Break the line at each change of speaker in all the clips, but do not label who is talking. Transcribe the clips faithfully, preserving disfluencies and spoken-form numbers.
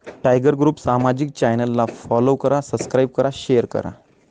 Tiger group सामाजिक चॅनलला follow करा, सबस्क्राईब करा, शेअर करा.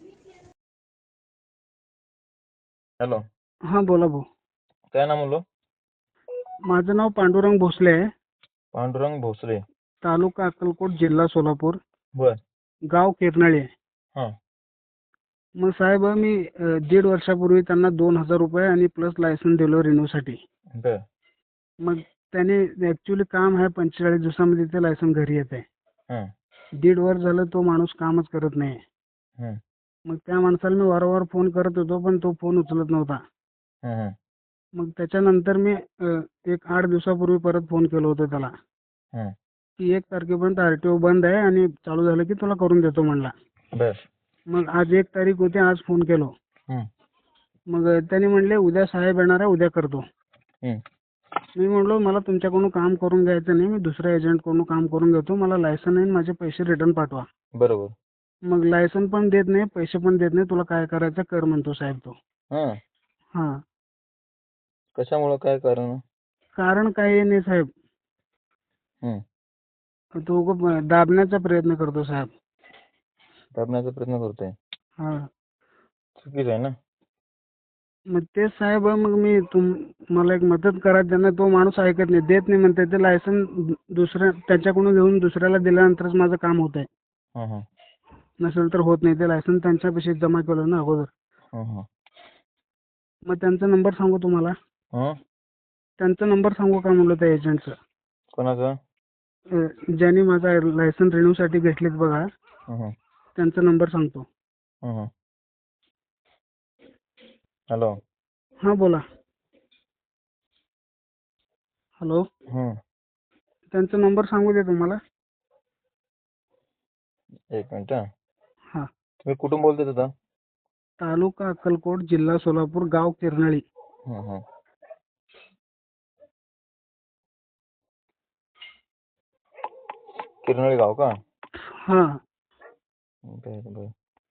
हॅलो,
हा बोला भाऊ.
काय नाव म्हणलो?
माझं नाव पांडुरंग भोसले आहे.
पांडुरंग भोसले.
तालुका अक्कलकोट, जिल्हा सोलापूर,
बर.
गाव किरनाळी आहे.
हा.
मग साहेब मी अ, दीड वर्षापूर्वी त्यांना दोन हजार रुपये आणि प्लस लायसन दिलो रिन्यूसाठी.
बर.
मग त्याने ऍक्च्युली काम आहे, पंचेचाळीस दिवसामध्ये ते लायसन घरी येत आहे.
हा.
दीड वर्ष झालं तो माणूस कामच करत नाही.
हा.
मग त्या माणसाला मी वारंवार फोन करत होतो, पण तो फोन उचलत नव्हता.
हा. हा.
मग त्याच्यानंतर मी अ, एक आठ दिवसापूर्वी परत फोन केलो होतो त्याला,
हा.
की एक तारखेपर्यंत आरटीओ बंद आहे आणि चालू झालं की तुला करून देतो म्हणला.
बर.
मग आज एक तारीख होती, आज फोन केलो.
हम्म.
मग त्यांनी म्हणले उद्या साहेब येणार आहे, उद्या करतो.
हम्म.
मी म्हणलो मला तुमच्याकडून काम करून घ्यायचं नाही, मी दुसऱ्या एजंटकडून काम करून घेतो, मला लायसन आहे, माझे पैसे रिटर्न पाठवा.
बरोबर.
मग लायसन पण देत नाही, पैसे पण देत नाही, तुला काय करायचं कर म्हणतो साहेब तो.
हा.
हा.
कशामुळे, काय कारण?
कारण काही नाही साहेब,
हम्म.
तो उगाच दाबण्याचा प्रयत्न करतो साहेब.
दाबण्याचा प्रयत्न करतोय.
हा.
चुकीचं आहे ना.
मग तेच साहेब, मग मी तुम मला एक मदत करा. त्यांना तो माणूस ऐकत नाही, देत नाही म्हणते. ते लायसन दुसऱ्या त्याच्याकडून घेऊन दुसऱ्याला दिल्यानंतरच माझं काम होत आहे.
हा. हा.
नसेल तर होत नाही. ते लायसन त्यांच्यापाशी जमा केलं ना अगोदर.
हा. हा.
मग त्यांचा नंबर सांगू तुम्हाला?
हा.
त्यांचा नंबर सांगू का म्हणलं त्या एजंटचा?
कोणाचा?
ज्यांनी माझा लायसन रिन्यूसाठी घेतलेत बघा,
हा. हा.
त्यांचा नंबर सांगतो.
हा. हा. हॅलो.
हा बोला. हॅलो.
हम्म.
त्यांचा नंबर सांगू दे तुम्हाला.
एक मिनिट. हा.
हा.
तुम्ही कुठून बोलताय आता?
तालुका अक्कलकोट, जिल्हा सोलापूर, गाव किरनाळी.
हा. हा. किरनाळी गाव का?
हा.
बर बर.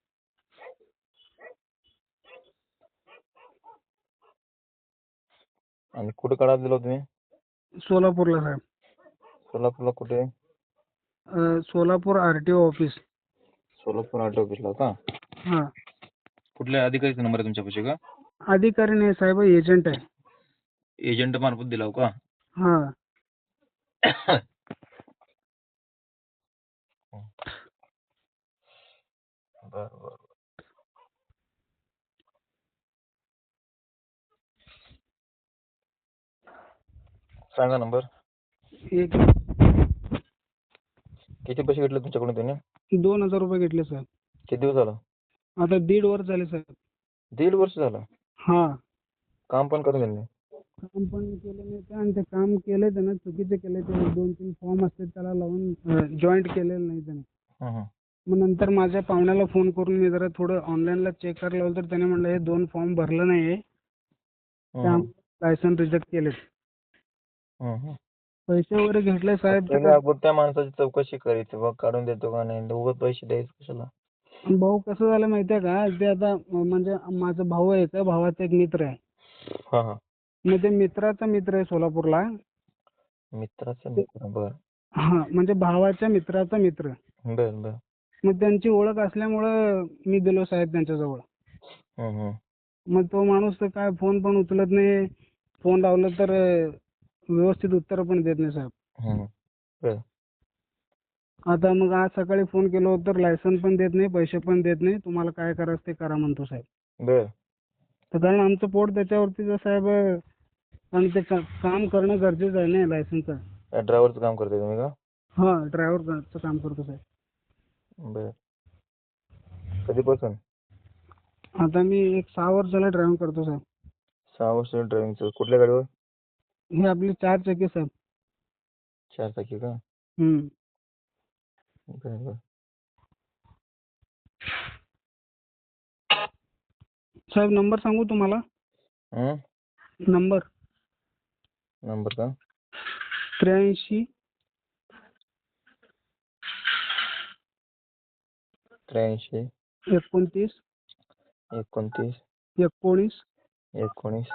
आणि कुठे काढा दिला तुम्ही?
सोलापूरला साहेब.
सोलापूरला कुठे?
अ, सोलापूर आरटीओ ऑफिस.
सोलापूर आर्ट ऑफिसला का?
हा.
कुठल्या अधिकारीचा नंबर आहे तुमच्यापाशी का?
अधिकारी नाही साहेब, एजंट आहे.
एजंट मार्फत दिला हो का?
हा.
बर बर. सांगा नंबर.
एक
किती पैसे घेतले तुमच्याकडून त्याने?
दोन हजार रुपये घेतले साहेब.
किती दिवस झाला?
आता दीड वर्ष झाले साहेब.
दीड वर्ष झालं.
हा.
काम पण करून दिलं नाही.
काम पण केलं नाही ते, आणि ते काम केलंय त्यानं चुकीचे केले. ते दोन तीन फॉर्म असते त्याला लावून जॉईंट केलेलं नाही त्याने.
हं, हं.
मग नंतर माझ्या पाहुण्याला फोन करून मी जरा थोडं ऑनलाईनला चेक करायला लावलं, तर त्याने म्हणलं हे दोन फॉर्म भरलं नाहीये,
हं,
त्या
हं.
लायसन रिजेक्ट केले.
हं, हं.
पैसे वगैरे घेतले साहेब.
पहिले आपण त्या माणसाची चौकशी करायची बघ, काढून देतो का नाही. उगाच पैसे द्यायचे कशाला?
भाऊ कसं झालं माहितीये का, ते आता म्हणजे माझा भाऊ आहे, त्या भावाचा एक मित्र आहे.
हा हा.
मग ते मित्राचा मित्र आहे सोलापूरला.
मित्राचा मित्र. बर
हा, म्हणजे भावाच्या मित्राचा मित्र.
बर बर.
मग त्यांची ओळख असल्यामुळं मी दिलो साहेब त्यांच्याजवळ.
हं, हं.
मग तो माणूस तर काय फोन पण उचलत नाही, फोन लावलं तर व्यवस्थित उत्तर पण देत नाही साहेब.
हं. बर.
आता मग आज सकाळी फोन केलो तर लायसन पण देत नाही, पैसे पण देत नाही. तुम्हाला काय करायचं ते करा म्हणतो साहेब.
बर.
तर कारण आमचं पोट त्याच्यावरतीच आहे साहेब, आणि ते का- काम करणं गरजेचं आहे ना लायसनचं.
ड्रायव्हरचं काम करताय तुम्ही का?
हा, ड्रायव्हरचं काम करतो साहेब.
बर. कधीपासून?
आता मी एक सहा वर्ष झालं ड्रायव्हिंग करतो साहेब.
सहा वर्ष ड्रायव्हिंगचं. कुठल्या गाडीवर?
हे आपली चार चाकी साहेब.
चार चाकी का?
हम्म.
बर बर.
साहेब नंबर सांगू तुम्हाला?
हं?
नंबर
नंबर का?
त्र्याऐंशी
त्र्याऐंशी
एकोणतीस
एकोणतीस
एकोणीस
एकोणीस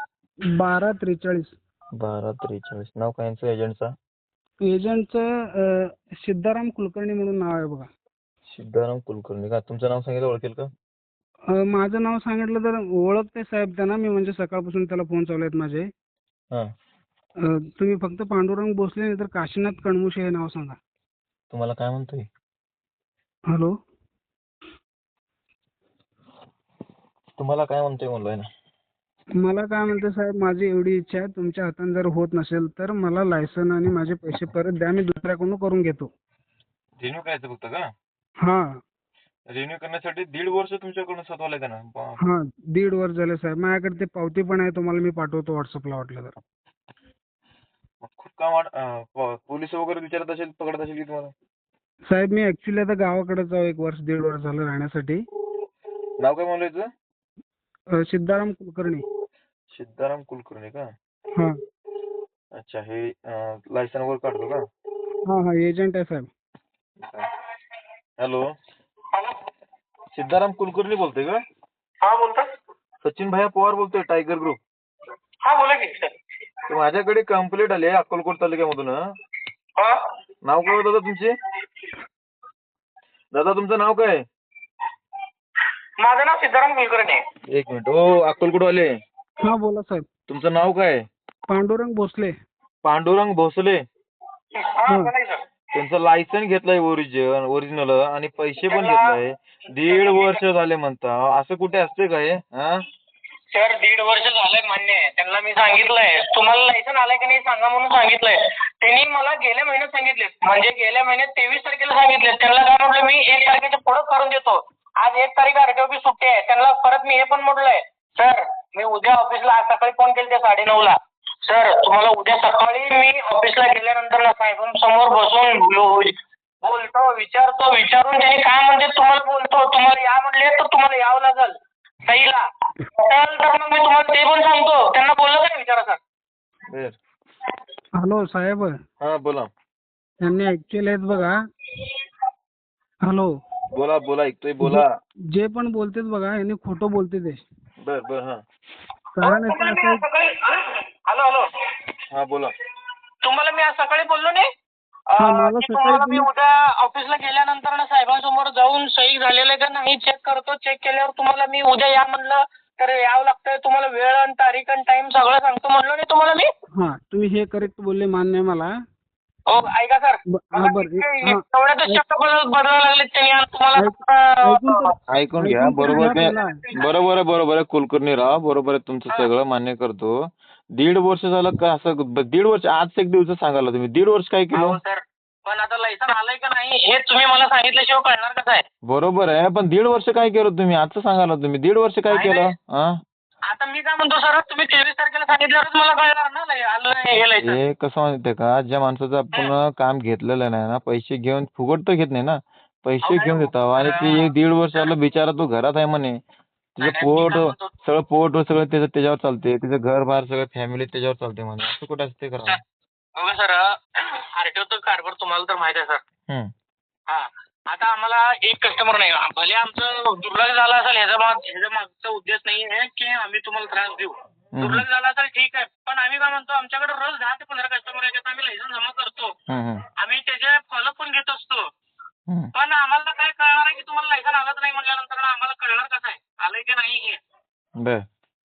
बारा त्रेचाळीस.
बारा त्रेचाळीस. नाव काय यांचं एजंटचा?
एजंटचं सिद्धाराम कुलकर्णी म्हणून नाव आहे बघा.
सिद्धाराम कुलकर्णी का? तुमचं नाव सांगितलं ओळखेल का?
अ, माझं नाव सांगितलं तर ओळखते साहेब त्यांना मी, म्हणजे सकाळपासून त्याला फोन चालू आहेत माझे.
हां.
अ, तुम्ही फक्त पांडुरंग भोसले नाही तर काशीनाथ कणमुशे हे नाव सांगा.
तुम्हाला काय म्हणतोय?
हॅलो.
तुम्हाला काय म्हणतोय म्हणलोय ना.
मला काय म्हणते साहेब, माझी एवढी इच्छा आहे, तुमच्या हाताने जर होत नसेल तर मला लायसन आणि माझे पैसे परत द्या, मी दुसऱ्याकडून करून घेतो.
रिन्यू करायचं फक्त का?
हा
रिन्यू करण्यासाठी दीड वर्ष तुमच्याकडून स्वतःला का ना?
हा दीड वर्ष झाले साहेब. माझ्याकडे ते पावती पण आहे, तुम्हाला मी पाठवतो व्हॉट्सअपला वाटलं तर.
खूप काम वाट- अं, प- पोलीस वगैरे विचारत असेल, पकडत असेल की तुम्हाला?
साहेब मी ऍक्च्युली आता गावाकडेच आहो, एक वर्ष दीड वर्ष झालं राहण्यासाठी.
नाव काय म्हणलं याचं?
अ, सिद्धाराम कुलकर्णी.
सिद्धाराम कुलकर्णी का?
हा
अच्छा, हे लायसन वगैरे काढतो का?
हा हा एजंट आहे साहेब.
हॅलो, सिद्धाराम कुलकर्णी बोलतोय का?
हा बोलता.
सचिन भैया पवार बोलतोय, टायगर ग्रुप.
हा बोला की सर.
तर माझ्याकडे कंप्लेंट आली आहे अक्कलकोट तालुक्यामधून. हं.
हा
नाव काय होतं दादा तुमचे? दादा तुमचं नाव काय?
माझं नाव सिद्धाराम कुलकर्णी आहे.
एक मिनिट. ओ अक्कलकोट वाले,
हा बोला साहेब.
तुमचं नाव काय?
पांडुरंग भोसले.
पांडुरंग भोसले.
हा बोला की सर.
त्यांचं लायसन घेतलंय ओरिजिन ओरिजिनल आणि पैसे पण घेतलंय. दीड वर्ष झाले म्हणता, असं कुठे असते काय? हा
सर दीड वर्ष झालंय मान्य आहे. त्यांना मी सांगितलंय तुम्हाला लायसन आलंय की नाही सांगा म्हणून सांगितलंय. त्यांनी मला गेल्या महिन्यात सांगितले, म्हणजे गेल्या महिन्यात तेवीस तारखेला सांगितले. त्यांना काय म्हटलं मी एक तारखेच्या पुढे करून देतो. आज एक तारीख आरटीओ सुट्टी आहे. त्यांना परत मी हे पण म्हटलंय, सर मी उद्या ऑफिसला, आज सकाळी फोन केले ते साडे नऊ ला. सर तुम्हाला उद्या सकाळी मी ऑफिसला गेल्यानंतर ना साहेबांसमोर बसून बोलतो, विचारतो, विचारून त्यांनी काय म्हणते तुम्हाला बोलतो. तुम्हाला या म्हणले तर तुम्हाला यावं लागेल सहीला. तर मग मी तुम्हाला ते पण सांगतो. त्यांना बोललं का विचारा सर.
बर.
हॅलो साहेब.
हा बोला.
त्यांनी ऍक्च्युअली आहेत बघा. हॅलो.
बोला बोला ऐकतोय बोला.
जे पण बोलतेत बघा, यांनी खोटं बोलते ते.
बर बर. हा
कारण याचं
तुम्हाला मी
असं
आज सकाळी हॅलो हॅलो
हा बोला.
तुम्हाला मी आज सकाळी बोललो नाही
हा,
अं,
मला
की
सकाळी
तुम्हाला मी
तुम्ही-
उद्या ऑफिसला गेल्यानंतर ना साहेबांसमोर जाऊन सही झालेलं आहे का नाही चेक करतो. चेक केल्यावर तुम्हाला मी उद्या या म्हणलं तर यावं लागतंय. तुम्हाला वेळ आणि तारीख आणि टाइम सगळं सांगतो म्हणलो नाही तुम्हाला मी.
हा तुम्ही हे करेक्ट बोलले, मान्य आहे मला.
हो ऐका सर.
ब- हा, बरं. हा.
एवढ्याच शब्द बदल- बदलायला लागले त्यांनी आणि तुम्हाला
ऐक- ऐकून
अं,
तर-
ऐकून घ्या.
ऐकून तर
बरोबर
घ्या
आहे.
पहिला.
बरोबर आहे बरोबर आहे कुलकर्णी राव, बरोबर आहे तुमचं सगळं मान्य करतो. दीड वर्ष झालं का असं? दीड वर्ष आज एक दिवस सांगायला तुम्ही दीड वर्ष काय केलं?
हो सर, पण आता लायसन आलंय का नाही हे तुम्ही मला सांगितल्याशिवाय कळणार कसं आहे.
बरोबर आहे, पण दीड वर्ष काय केलं तुम्ही? आजचं सांगायला तुम्ही दीड वर्ष काय
नाही,
केलं?
नाही.
हा
आता मी काय म्हणतो सर, तुम्ही तेवीस तारखेला सांगितल्यावरच मला कळणार ना लय- आलं नाही हे लायसन.
हे कसं माहितीये का, ज्या माणसाचं आपण काम घेतलेलं नाही ना, पैसे घेऊन फुकट तर घेत नाही ना, पैसे
अहो,
घेऊन
नाही.
देतो आणि ते एक दीड वर्ष झालं बिचारा तो घरात आहे म्हणे.
नाही,
तिचं
नाही, मी
पोट
काय म्हणतो-
सगळं पोट सगळं त्याचं त्याच्यावर चालते, तिचं घर बाहेर सगळं फॅमिली त्याच्यावर चालते म्हणे. असं कुठं असते करा?
बघा सर, आरटीओचा कारभार तुम्हाला तर माहित आहे सर.
हम्म.
हा आता आम्हाला एक कस्टमर नाही, भले आमचं दुर्लक्ष झालं असेल, ह्याचा माग ह्याचा मागचा उद्देश नाही आहे की आम्ही तुम्हाला त्रास देऊ. दुर्लक्ष झालं असेल ठीक आहे, पण आम्ही काय म्हणतो आमच्याकडे रोज दहा ते पंधरा कस्टमर येतात, आम्ही लायसन जमा करतो,
हम्म, हम्म,
आम्ही त्याचे फॉलो पण घेत असतो.
हम्म.
पण आम्हाला काय कळणार आहे की तुम्हाला लायसन आलंच नाही म्हटल्यानंतर आम्हाला कळणार कसं आहे आलंय की नाही हे.
बर.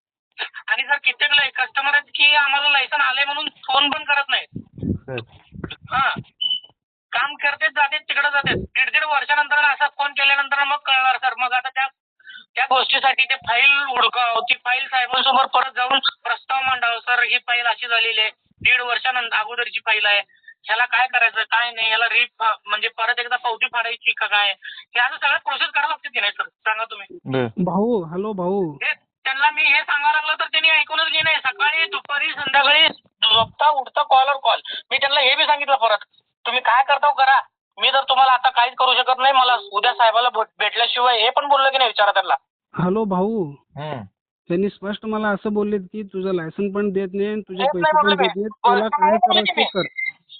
आणि सर कित्येक कस्टमर आहेत की आम्हाला लायसन आलंय म्हणून फोन पण करत नाहीत.
बर.
हा काम करतेच जाते तिकडे जाते. दीड दीड वर्षानंतर असा फोन केल्यानंतर मग कळणार सर. मग आता त्या त्या गोष्टीसाठी ते फाईल हुडकाव, ती फाईल साहेबांसमोर परत जाऊन प्रस्ताव मांडावा, सर ही फाईल अशी झालेली आहे, दीड वर्षानंतर अगोदरची फाईल आहे, ह्याला काय करायचं काय नाही, ह्याला रीप म्हणजे परत एकदा पावती फाडायची का काय, हे असं सगळं प्रोसेस करावं लागते की नाही सर सांगा तुम्ही.
बर.
भाऊ. हॅलो भाऊ.
ते त्यांना मी हे सांगायला लागलो तर त्यांनी ऐकूनच घे नाही. सकाळी दुपारी संध्याकाळी झोपता उठता कॉलवर कॉल. मी त्यांना हे बी सांगितलं परत तुम्ही काय करता करा, मी तर तुम्हाला आता काहीच करू शकत नाही, मला उद्या साहेबाला भेटल्याशिवाय हे पण बोललो की नाही विचारा त्यांना.
हॅलो भाऊ.
हम्म.
त्यांनी स्पष्ट मला असं बोललेत की तुझं लायसन पण देत नाही आणि तुझे
देत
पैसे
नाही
पण
म्हटलं
देत
मी.
नाहीत, तुला काय
बोलतो
करायचं
की
ते कर.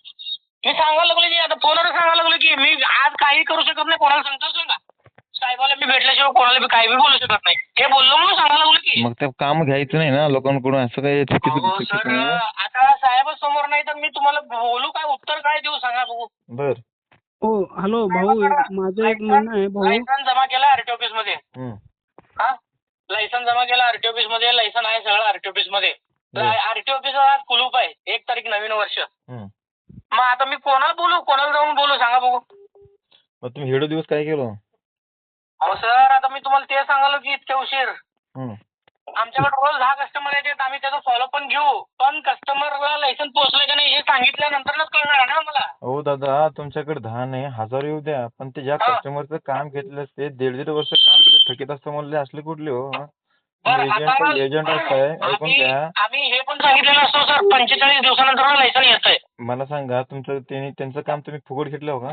मी सांगायला लागलो की आता फोनवर सांगायला लागलो की मी आज काही करू शकत नाही, कोणाला सांगतो सांगा, साहेबाला मी भेटल्याशिवाय कोणाला बी काही बी बोलू शकत नाही, हे बोललो म्हणून सांगायला लागलो की.
मग ते काम घ्यायचं नाही ना लोकांकडून, असं काय चुकीचं
अहो
चुकीचं
सर
नाही.
आता साहेब समोर नाही तर मी तुम्हाला बोलू काय, उत्तर काय देऊ सांगा बघू.
बर.
हो हॅलो भाऊ एक माझं एक म्हणणं आहे भाऊ.
लायसन जमा केला आरटी ऑफिस मध्ये.
हम्म.
हा लायसन जमा केला आरटी ऑफिस मध्ये. लायसन आहे सगळं आरटी ऑफिस मध्ये.
हम्म.
आरटी ऑफिसला आज कुलूप आहे. एक तारीख नवीन वर्ष.
हम्म.
मग आता मी कोणाला बोलू कोणाला जाऊन बोलू सांगा बघू.
मग तुम्ही हेडो दिवस काय केलं?
अहो सर आता मी तुम्हाला ते सांगालो की इतक्या उशीर.
हम्म.
आमच्याकडे रोज दहा कस्टमर येतात. आम्ही त्याचा फॉलो पण घेऊ. पण कस्टमरला लायसन पोहोचलं का नाही हे सांगितल्यानंतरच कळणार ना मला.
हो दादा तुमच्याकडे दहा नाही हजार येऊ द्या पण ते ज्या
हा.
कस्टमरचं काम घेतलं असते दीड दीड वर्ष काम थकीत असतं म्हणले असले कुठले हो?
बरं, आता
एजंट एजंट असताय ऐकून
आम्ही
घ्या.
आम्ही हे पण सांगितलेलं असतो सर पंचेचाळीस दिवसानंतर लायसन येतंय.
मला सांगा तुमचं त्यांनी त्यांचं काम तुम्ही फुकट घेतलं हो का?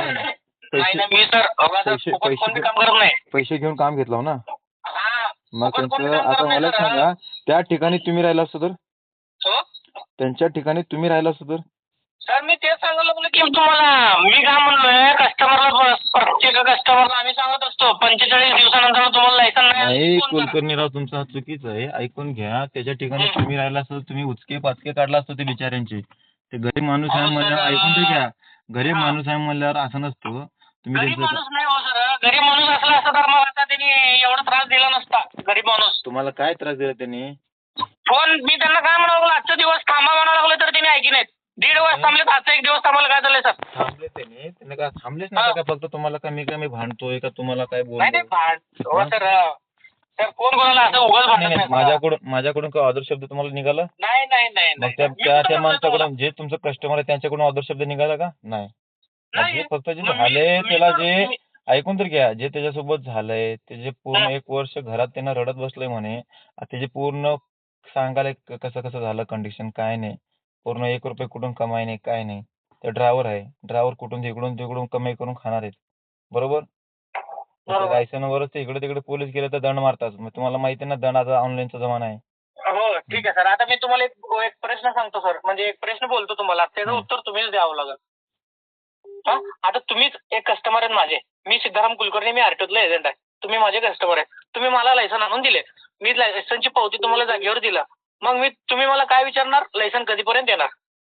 नाही ना मी सर बघा सर
पैसे-
फुकट
पैसे-
कोणते काम करत नाही.
पैसे घेऊन काम घेतलं हो ना?
हा
मग
फुकट कोणते
त्यांचं
काम
आता
करत नाही
मला
सर.
सांगा त्या ठिकाणी तुम्ही राहिला असतो तर
हो?
त्यांच्या ठिकाणी तुम्ही राहिला असतो तर
सर मी तेच सांगायला लागलो की तुम्हाला मी काय म्हणलोय कस्टमरला प्रत्येक कस्टमरला आम्ही सांगत असतो पंचेचाळीस दिवसानंतर तुम्हाला लायसन नाही आलं
नाही
की फोन करा.
कुलकर्णीराव तुमचं हा चुकीचं आहे ऐकून घ्या. त्याच्या ठिकाणी तुम्ही राहिला असतो तुम्ही उचके पाचके काढला असतो ते बिचाऱ्यांचे. ते गरीब माणूस आहे
अहो, सर,
म्हणल्यावर ऐकून तर घ्या. गरीब
हा.
माणूस आहे म्हणल्यावर असं नसतो तुम्ही
गरीब
त्यांचं
माणूस नाही हो सर. गरीब माणूस असला असता तर मग आता त्यांनी एवढा त्रास दिला नसता. गरीब माणूस
तुम्हाला काय त्रास दिला त्यांनी?
फोन मी त्यांना काय म्हणावं लागलं आजचा दिवस थांबा म्हणावं लागलं तर त्यांनी ऐकी नाहीत. दीड वर्ष थांबलेत आजचा एक दिवस थांबायला काय झालंय सर?
थांबले त्यांनी त्यांनी काय थांबलेच
हा.
नाही का? फक्त तुम्हाला काय मी काय मी भांडतोय का तुम्हाला काय
नाही नाही
बोलतोय?
भांड हो सर. सर कोण कोणाला असं उगाच भांडत
नाही,
नाही.
माझ्याकडून माझ्याकडून काय ऑदर शब्द तुम्हाला निघाला?
नाही नाही नाही
मग
नाही.
त्या
मी
त्या
कुठं
त्या
म्हणतोय तुम्हाला?
माणसाकडून जे तुमचं कस्टमर आहे त्यांच्याकडून ऑदर शब्द निघाला का? नाही. मग
नाही.
जे फक्त जे
मग मी-
झाले
मी
त्याला
तर-
जे
मी-
ऐकून तर घ्या जे त्याच्यासोबत झालंय ते जे पूर्ण
हा.
एक वर्ष घरात त्यांना रडत बसलंय म्हणे त्याचे पूर्ण सांगायला क- कसं कसं झालं कंडिशन काय नाही पूर्ण एक रुपये कुठून कमाई नाही काय नाही. ते ड्रायव्हर आहे ड्रायव्हर कुठून तिकडून तिकडून कमाई करून खाणार आहेत बरोबर.
बरोबर.
लायसनवरच ते इकडे तिकडे पोलीस गेले तर दंड मारतात. मग तुम्हाला माहिती आहे ना दंड आता ऑनलाईनचा जमाना आहे.
हो ठीक आहे सर. आता मी तुम्हाला एक एक प्रश्न सांगतो सर. म्हणजे एक प्रश्न बोलतो तुम्हाला त्याचं
हं.
उत्तर तुम्हीच द्यावं लागेल. हा आता तुम्हीच एक कस्टमर आहेत माझे. मी सिद्धाराम कुलकर्णी मी आरटीओतला एजंट आहे. तुम्ही माझे कस्टमर आहे. तुम्ही मला लायसन आणून दिले. मी लायसनची पावती तुम्हाला जागेवर दिला. मग मी तुम्ही मला काय विचारणार लायसन कधीपर्यंत येणार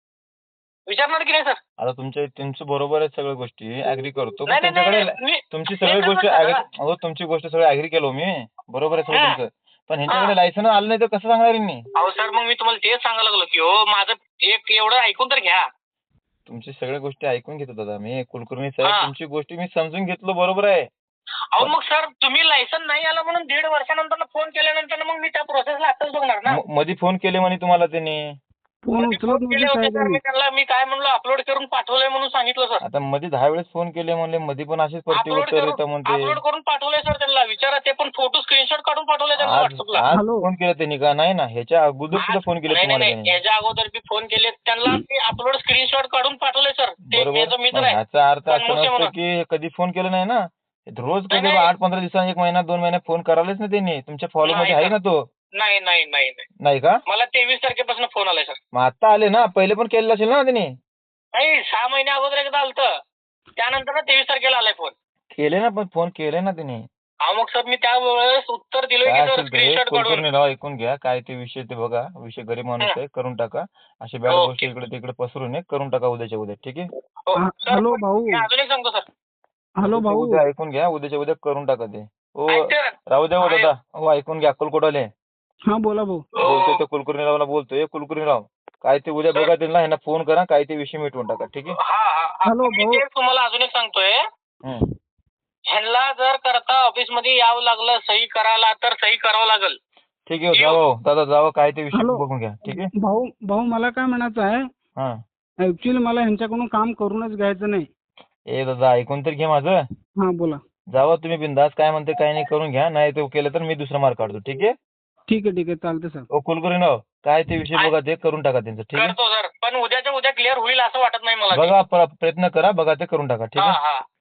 विचारणार की नाही सर?
आता तुमच्या तुमचं बरोबर आहे सगळ्या गोष्टी ऍग्री करतो पण
नाही नाही
त्यांच्याकडे
नाही, मी
तुमची सगळी
एकच
गोष्ट
मिनिट
agree-
जरा.
अहो तुमची गोष्ट सगळी ऍग्री केलो मी बरोबर आहे सगळं
हा.
तुमचं पण ह्यांच्याकडे लायसन आलं नाही तर कसं सांगणार यांनी?
अहो सर मग मी तुम्हाला तेच सांगायला लागलो की हो माझं एक एवढं ऐकून तर घ्या.
तुमची सगळ्या गोष्टी ऐकून घेतो दादा मी कुलकर्णी साहेब
हा.
तुमची गोष्टी मी समजून घेतलो बरोबर आहे.
अहो मग सर तुम्ही लायसन नाही आलं म्हणून दीड वर्षानंतर फोन केल्यानंतर मग मी त्या प्रोसेसला आताच बघणार ना.
म- मध्ये फोन केले म्हणे तुम्हाला त्यांनी
फोन
मध्ये
उचलत
फोन केले
नव्हते
होते सर.
साहेबांनी.
मी त्यांना मी काय म्हणलो अपलोड करून पाठवलंय म्हणून सांगितलं सर.
आता मध्ये दहा वेळेस फोन केले म्हणले मध्ये पण असेच प्रति
अपलोड
उत्तर येतं
करून
म्हणते.
अपलोड करून पाठवलंय सर त्यांना विचारा. ते पण फोटो स्क्रीनशॉट काढून पाठवले त्यांना
आज
व्हॉट्सअपला.
आज
हॅलो.
फोन केला त्यांनी का नाही ना ह्याच्या अगोदर सुद्धा
आज-
फोन केले
नाही
तुम्हाला
नाही
त्यांनी
याच्या अगोदर बी फोन केले त्यांना मी अपलोड स्क्रीनशॉट काढून पाठवले सर. ते
बरोबर
त्याचा मित्र
मग
आहे.
ह्याचा अर्थ असं
सन्मुखे
नसतो
म्हणून.
की कधी फोन केलं नाही ना रोज
नाही,
कधी
नाही.
आठ पंधरा दिवसांनी एक महिना दोन महिने फोन करायलाच ना त्यांनी तुमच्या फॉलो मध्ये
नाही
आहे ना तो
नाही नाही नाही नाही.
नाही का?
मला तेवीस तारखेपासून फोन आलाय सर.
मग आता आले ना पहिले पण केलेलं असेल ना त्यांनी
नाही सहा महिने अगोदर एकदा आलतं. त्यानंतर तेवीस तारखेला आलाय फोन.
केले ना पण फोन केले ना त्यांनी
हा मग सर मी त्यावेळेस उत्तर दिलोय
काय
की सर
असेल ते
स्क्रीनशॉट काढून.
कुलकर्णी राव ऐकून घ्या काय ते विषय ते बघा विषय गरीब माणूस आहे करून टाका असे बॅड
ओके.
गोष्टी इकडे तिकडे पसरू नये करून टाका उद्याच्या उद्या ठीक आहे.
हो,
हा,
सर,
हॅलो
पण
भाऊ.
मी अजून एक सांगतो सर.
हॅलो
उद्या-
भाऊ.
उद्या ऐकून घ्या उद्याच्या उद्या करून टाका ते हो
ऐकतोय ना?
राहू द्या हो
आहे.
दादा हो ऐकून घ्या अक्कलकोटवाले
हा बोला भाऊ.
बोलतोय ते कुलकर्णीरावला बोलतोय कुलकर्णीराव काय ते उद्या बघा त्यांना ह्यांना फोन करा काय ते विषय मिटवून टाका ठीक आहे.
हा हा हा.
हॅलो,
मी
भाऊ.
तेच तुम्हाला अजून एक सांगतोय.
हम्म.
ह्यांना जर करता ऑफिस मध्ये यावं लागलं सही करायला तर सही करावं लागेल.
ठीक आहे जावं दादा जावं काय ते विषय
हॅलो.
बघून घ्या ठीक आहे.
भाऊ भाऊ मला काय म्हणायचं आहे
हा
ऍक्च्युली मला ह्यांच्याकडून काम करूनच घ्यायचं नाही.
ए दादा ऐकून तर घे माझं
हा बोला.
जावा तुम्ही बिंदास काय म्हणते काय नाही करून घ्या नाही ते केलं तर मी दुसरा मार्क काढतो ठीक आहे.
ठीक आहे ठीक आहे चालतं सर.
ओ कुलकर्णीराव काय ते विषय बघा ते करून टाका त्यांचं ठीक आहे.
करतो सर पण उद्याच्या उद्या क्लिअर होईल असं वाटत नाही मला.
बघा प्र- प्रयत्न करा बघा ते करून टाका ठीक
हा
आहे.
हा